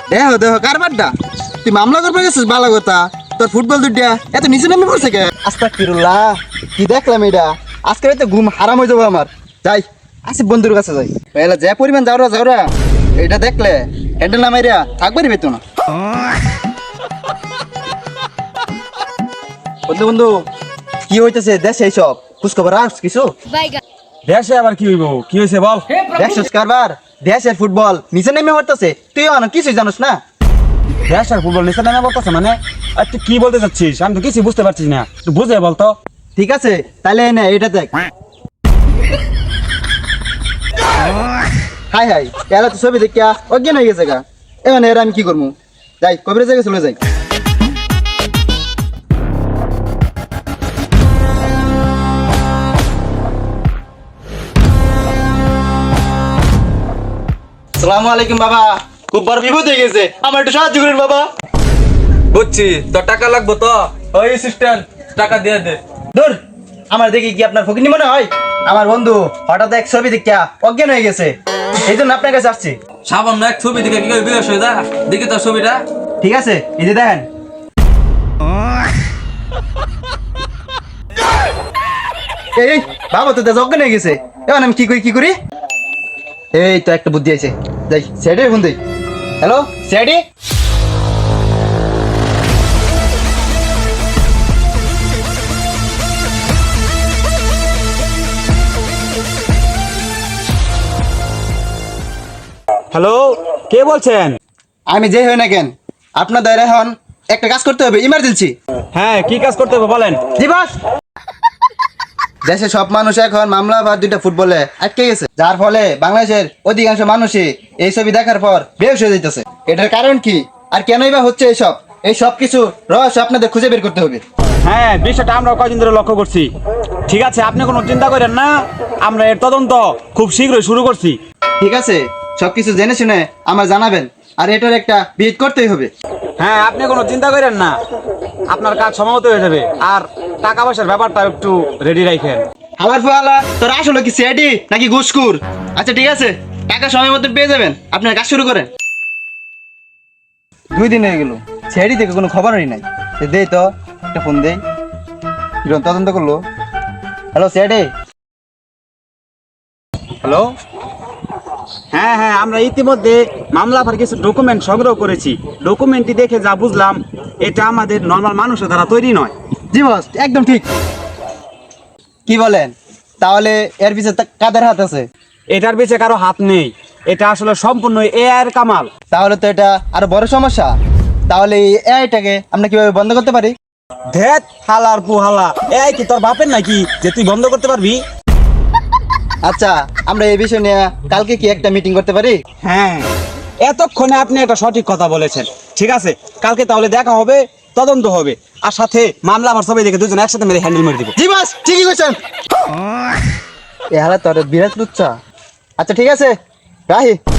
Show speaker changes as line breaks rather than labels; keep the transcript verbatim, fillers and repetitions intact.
দেহ দেহ কারবারটা তুই মামলা করবে গেছিস ভালো কথা তোর ফুটবল দুইটা এত নিচে নামে পড়ছে কে আস্তাগফিরুল্লাহ কি দেখলাম এটা আজকে তো ঘুম হারাম হয়ে যাবো আমার যাই আসি বন্ধুর কাছে যাই এলা যে পরিমাণ যাওরা যাওরা এটা দেখলে হ্যান্ডেল নামাইরা থাকবারই পেতো না বন্ধু বন্ধু কি হইতেছে দেশে এইসব খোঁজখবর রাখ কিছু
দেশে আবার কি হইব কি হয়েছে বল
দেখছিস কারবার দেশের ফুটবল নিচে নেমে পড়তেছে তুই কিছুই জানোস না
দেশের ফুটবল নিচে নামে বলতেছে মানে আর তুই কি বলতে চাচ্ছিস আমি তো কিছু বুঝতে পারছিস না তুই বুঝে বলতো
ঠিক আছে তাহলে এনে এটা দেখ হাই হাই এরা তো ছবি দেখিয়া অজ্ঞান হয়ে গেছে গা এবার এরা আমি কি করবো যাই কবির জায়গায় চলে যাই আসসালামু আলাইকুম বাবা খুব বড় বিপদ হয়ে গেছে আমার একটু সাহায্য করুন বাবা
বুঝছি তোর টাকা লাগবো তো ওই অ্যাসিস্ট্যান্ট টাকা দিয়ে দে
দূর আমার দেখি কি আপনার ফকিনি মনে হয় আমার বন্ধু হঠাৎ এক ছবি দেখিয়া অজ্ঞান হয়ে গেছে এই জন্য আপনার কাছে আসছি
সামান্য এক ছবি দেখে কি করে বিকাশ হয়ে যা দেখি তোর ছবিটা
ঠিক আছে এই যে দেখেন এই এই বাবা তো অজ্ঞান হয়ে গেছে এখন আমি কি করি কি করি এই তো একটা বুদ্ধি আছে যাই স্যাডি ফোন দেই হ্যালো স্যাডি
হ্যালো কে বলছেন
আমি যে হই না কেন আপনাদের এখন একটা কাজ করতে হবে ইমার্জেন্সি
হ্যাঁ কি কাজ করতে হবে বলেন
জি বস দেশে সব মানুষ এখন মামলা বা দুইটা ফুটবলে আটকে গেছে যার ফলে বাংলাদেশের অধিকাংশ মানুষই এই ছবি দেখার পর বেহুশ হয়ে যাইতেছে এটার কারণ কি আর কেনই বা হচ্ছে এইসব এই সব কিছু রহস্য আপনাদের খুঁজে বের করতে হবে
হ্যাঁ বিষয়টা আমরা কয়দিন ধরে লক্ষ্য করছি ঠিক আছে আপনি কোনো চিন্তা করেন না আমরা এর তদন্ত খুব শীঘ্রই শুরু করছি
ঠিক আছে সবকিছু জেনে শুনে আমার জানাবেন আর এটার একটা বিহিত করতেই হবে
হ্যাঁ আপনি কোনো চিন্তা করেন না আপনার কাজ সময়মতো হয়ে যাবে আর টাকা পয়সার ব্যাপারটা একটু রেডি রাখেন
আমার ফোয়ালা তোর আসলে কি সিআইডি নাকি ঘুষখুর আচ্ছা ঠিক আছে টাকা সময় মতো পেয়ে যাবেন আপনার কাজ শুরু করেন দুই দিন হয়ে গেল সিআইডি থেকে কোনো খবরই নাই দে তো একটা ফোন দেই কিরণ তদন্ত করলো হ্যালো সিআইডি
হ্যালো হ্যাঁ হ্যাঁ আমরা ইতিমধ্যে মামলা পর কিছু ডকুমেন্ট সংগ্রহ করেছি ডকুমেন্টটি দেখে যা বুঝলাম এটা আমাদের নর্মাল মানুষের দ্বারা তৈরি নয়
জি বস একদম ঠিক কি বলেন তাহলে এর পিছনে কাদের হাত আছে
এটার পিছে কারো হাত নেই এটা আসলে সম্পূর্ণ এআই এর কামাল
তাহলে তো এটা আরো বড় সমস্যা তাহলে এই এআইটাকে আমরা কিভাবে বন্ধ করতে পারি
ধেত হালার পুহালা এআই কি তোর বাপের নাকি যে তুই বন্ধ করতে পারবি
আচ্ছা আমরা এই বিষয় নিয়ে কালকে কি একটা মিটিং করতে পারি
হ্যাঁ এতক্ষণে আপনি একটা সঠিক কথা বলেছেন ঠিক আছে কালকে তাহলে দেখা হবে তদন্ত হবে আর সাথে মামলা আমার সবাই দেখে দুজন একসাথে মেরে হ্যান্ডেল মেরে দিব
জি বস ঠিকই কইছেন এ হালা তোর বিরাট লুচ্চা আচ্ছা ঠিক আছে রাহি